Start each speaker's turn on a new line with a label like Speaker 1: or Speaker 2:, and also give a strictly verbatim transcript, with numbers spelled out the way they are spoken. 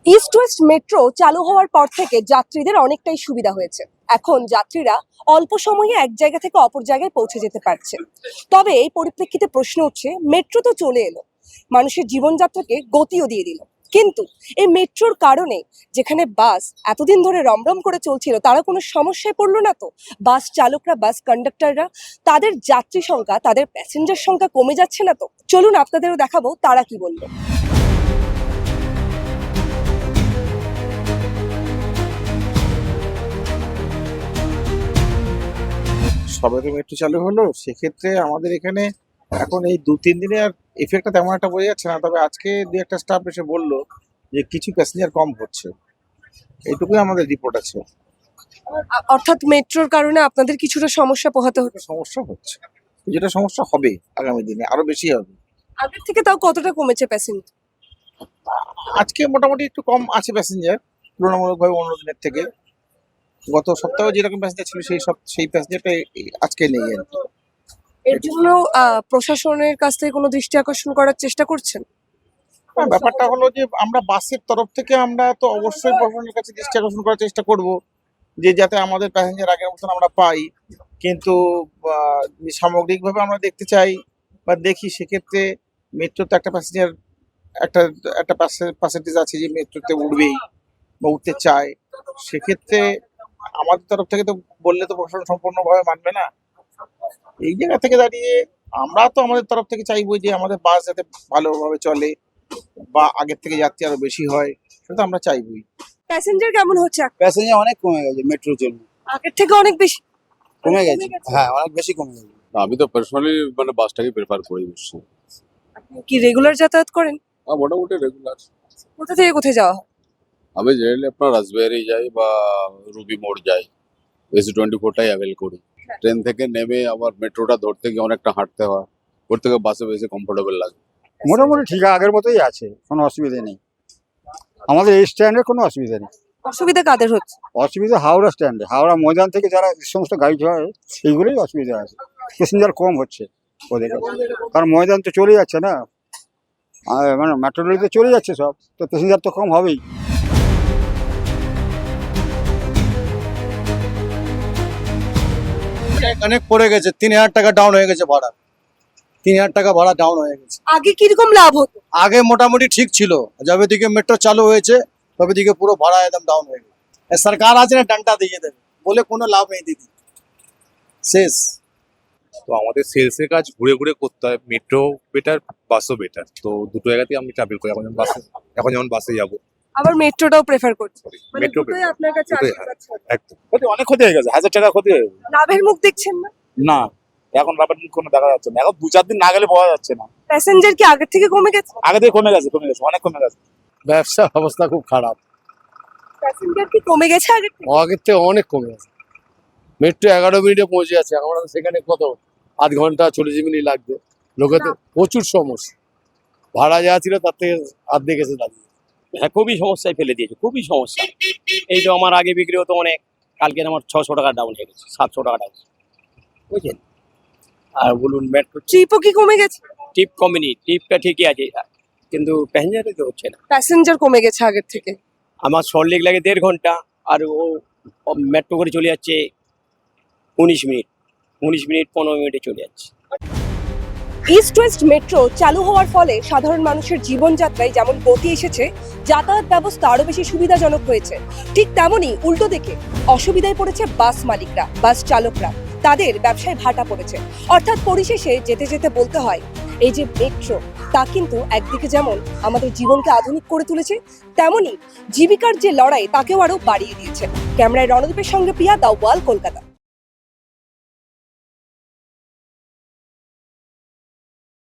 Speaker 1: East West metro চালু হওয়ার পর থেকে যাত্রীদের অনেকটাই সুবিধা হয়েছে। এখন যাত্রীরা অল্প সময়ে এক জায়গা থেকে অপর জায়গায় পৌঁছে যেতে পারছে। তবে এই পরিপ্রেক্ষিতে প্রশ্ন উঠছে, মেট্রো তো চলে এলো, মানুষের জীবনযাত্রাকে গতিও দিয়ে দিল, কিন্তু এই মেট্রোর কারণে যেখানে বাস এতদিন ধরে রমরম করে চলছিল তারা কোনো সমস্যায় পড়লো না তো? বাস চালকরা, বাস কন্ডাক্টররা, তাদের যাত্রী সংখ্যা, তাদের প্যাসেঞ্জার সংখ্যা কমে যাচ্ছে না তো? চলুন আপনাদেরও দেখাবো তারা কি বললো।
Speaker 2: সবে তো মেট্রো চালু হলো, সেক্ষেত্রে আমাদের এখানে এখন এই দু তিন দিনে আর এফেক্টটা তেমন একটা বোঝা যাচ্ছে না। তবে আজকে দু একটা স্টাফ এসে বললো যে কিছু প্যাসেঞ্জার কম হচ্ছে, এইটুকুই আমাদের রিপোর্ট আছে।
Speaker 1: আ- অর্থাৎ মেট্রোর কারণে আপনাদের কিছুটা সমস্যা পোহাতে হচ্ছে।
Speaker 2: সমস্যা হচ্ছে, যেটা সমস্যা হবে আগামী দিনে আরো বেশি হবে।
Speaker 1: আগের থেকে তাও কতটা কমেছে প্যাসেঞ্জার?
Speaker 2: আজকে মোটামুটি একটু কম আছে প্যাসেঞ্জার তুলনামূলকভাবে অন্য দিনের থেকে। গত সপ্তাহে যেরকম প্যাসেঞ্জার ছিল সেই সব সেই প্যাসেঞ্জারটা আজকে নেই আর কি।
Speaker 1: এর জন্য আহ, প্রশাসনের কাছ থেকে কোনো দৃষ্টি আকর্ষণ করার চেষ্টা করছেন?
Speaker 2: হ্যাঁ, ব্যাপারটা হলো যে আমরা বাসের তরফ থেকে আমরা তো অবশ্যই প্রশাসনের কাছে দৃষ্টি আকর্ষণ করার চেষ্টা করব যে যাতে আমাদের প্যাসেঞ্জার আগের মতন আমরা পাই। কিন্তু আহ, সামগ্রিকভাবে আমরা দেখতে চাই বা দেখি, সেক্ষেত্রে মেট্রোতে একটা প্যাসেঞ্জার একটা একটা পার্সেন্টেজ আছে যে মেট্রোতে উঠবেই বা উঠতে চায়। সেক্ষেত্রে আমাদের তরফ থেকে তো বললে তো প্রশাসন সম্পূর্ণভাবে মানবে না। এই জায়গা থেকে দাঁড়িয়ে আমরা তো আমাদের তরফ থেকে চাইবো যে আমাদের বাস যাতে ভালোভাবে চলে বা আগের থেকে যাত্রী আরো বেশি হয়, সেটা আমরা চাইবই।
Speaker 1: প্যাসেঞ্জার কেমন হচ্ছে এখন?
Speaker 3: প্যাসেঞ্জার অনেক কমে গেছে মেট্রোর জন্য,
Speaker 1: আগের থেকে অনেক বেশি
Speaker 3: কমে গেছে। হ্যাঁ, অনেক বেশি কমে গেছে।
Speaker 4: আমি তো পার্সোনালি মানে বাসটাকে প্রেফার করি বেশি।
Speaker 1: আপনি কি রেগুলার যাতায়াত করেন?
Speaker 4: হ্যাঁ, মোটামুটি রেগুলার।
Speaker 1: কোথা থেকে কোথায় যাওয়া হয়?
Speaker 4: আমি জেনারেলি আপনার রাসবিহারি যাই বা রুবি মোড় যাই, এসি টোয়েন্টি ফোরটাই অ্যাভেল করি। ট্রেন থেকে নেমে আবার মেট্রোটা ধরতে গিয়ে অনেকটা হাঁটতে হয়, ওর থেকে বাসে বেশি কমফোর্টেবল লাগে।
Speaker 3: মোটামুটি ঠিক আগের মতোই আছে, কোনো অসুবিধা নেই। আমাদের এই স্ট্যান্ডে কোনো অসুবিধা নেই।
Speaker 1: অসুবিধা কাদের হচ্ছে?
Speaker 3: অসুবিধা হাওড়া স্ট্যান্ডে, হাওড়া ময়দান থেকে যারা যে সমস্ত গাড়ি হয় সেইগুলোই অসুবিধা আছে। প্যাসেঞ্জার কম হচ্ছে ওদের কাছে, কারণ ময়দান তো চলে যাচ্ছে না, আর মানে মেট্রো রেলে চলে যাচ্ছে সব, তো প্যাসেঞ্জার তো কম হবেই।
Speaker 5: অনেক পড়ে গেছে, তিন হাজার টাকা ডাউন হয়ে গেছে ভাড়া, তিন হাজার টাকা ভাড়া ডাউন হয়ে গেছে।
Speaker 1: আগে কিরকম লাভ হতো?
Speaker 5: আগে মোটামুটি ঠিক ছিল, যবে দিকে মেট্রো চালু হয়েছে তবে দিকে পুরো ভাড়া একদম ডাউন হয়ে গেছে। সরকার আছে না ডান্টা দিয়ে দেবে, বলে কোনো লাভ নেই দিদি, শেষ।
Speaker 6: তো আমাদের সেলস এর কাজ ঘুরে ঘুরে করতে হয়, মেট্রো বেটার বাসও বেটার, তো দুটো জায়গাতেই আমি ট্রাভেল করি। এখন যেমন বাসে এখন যেমন বাসে যাবো,
Speaker 1: আবার মেট্রোটাও প্রেফার করছে, মানে
Speaker 6: মেট্রো
Speaker 1: দুটোই আপনার কাছে
Speaker 6: দুটোই,
Speaker 1: আশীর্বাদ ছাড়া।
Speaker 6: একদম।
Speaker 7: ক্ষতি অনেক ক্ষতি হয়ে গেছে, হাজার টাকা ক্ষতি হয়ে গেছে।
Speaker 1: লাভের মুখ দেখছেন না?
Speaker 7: না, এখন লাভের মুখ কোনো দেখা যাচ্ছে না, এখন দু চার দিন না গেলে পাওয়া যাচ্ছে না।
Speaker 1: প্যাসেঞ্জার কি আগের থেকে কমে গেছে?
Speaker 7: আগে থেকে কমে গেছে, কমে গেছে, অনেক কমে গেছে।
Speaker 5: ব্যবসার অবস্থা খুব খারাপ,
Speaker 1: প্যাসেঞ্জার কি কমে গেছে আগের থেকে?
Speaker 5: আগের থেকে অনেক কমে গেছে। মেট্রো এগারো মিনিটে পৌঁছে যাচ্ছে, আমরা সেখানে কত আধ ঘন্টা চল্লিশ মিনিট লাগবে। লোকে তো প্রচুর সমস্যা, ভাড়া যা ছিল তার থেকে অর্ধেক এসে দাঁড়িয়ে।
Speaker 8: হ্যাঁ, খুবই সমস্যায় ফেলে দিয়েছে, খুবই সমস্যা। এই তো আমার আগে বিক্রি হতো অনেক, কালকে আমার ছশো টাকা ডাউন হয়ে গেছে, সাতশো টাকা ডাউন, বুঝলেন। আর বলুন মেট্রো
Speaker 1: ট্রিপও কি কমে গেছে?
Speaker 8: টিপ কমেনি, টিপটা ঠিকই আছে, কিন্তু প্যাসেঞ্জারে তো হচ্ছে না।
Speaker 1: প্যাসেঞ্জার কমে গেছে আগের থেকে।
Speaker 8: আমার সল্টলেক লাগে দেড় ঘন্টা, আর ও মেট্রো করে চলে যাচ্ছে উনিশ মিনিট, উনিশ মিনিট পনেরো মিনিটে চলে যাচ্ছে।
Speaker 1: ইস্ট ওয়েস্ট মেট্রো চালু হওয়ার ফলে সাধারণ মানুষের জীবনযাত্রায় যেমন গতি এসেছে, যাতায়াত ব্যবস্থা আরো বেশি সুবিধাজনক হয়েছে, ঠিক তেমনই উল্টো দিকে অসুবিধায় পড়েছে বাস মালিকরা, বাস চালকরা। তাদের ব্যবসায় ভাটা পড়েছে। অর্থাৎ পরিশেষে যেতে যেতে বলতে হয়, এই যে মেট্রো, তা কিন্তু একদিকে যেমন আমাদের জীবনকে আধুনিক করে তুলেছে, তেমনই জীবিকার যে লড়াই তাকেও আরো বাড়িয়ে দিয়েছে। ক্যামেরায় রণদীপের সঙ্গে প্রিয়া, দ্য ওয়াল, কলকাতা।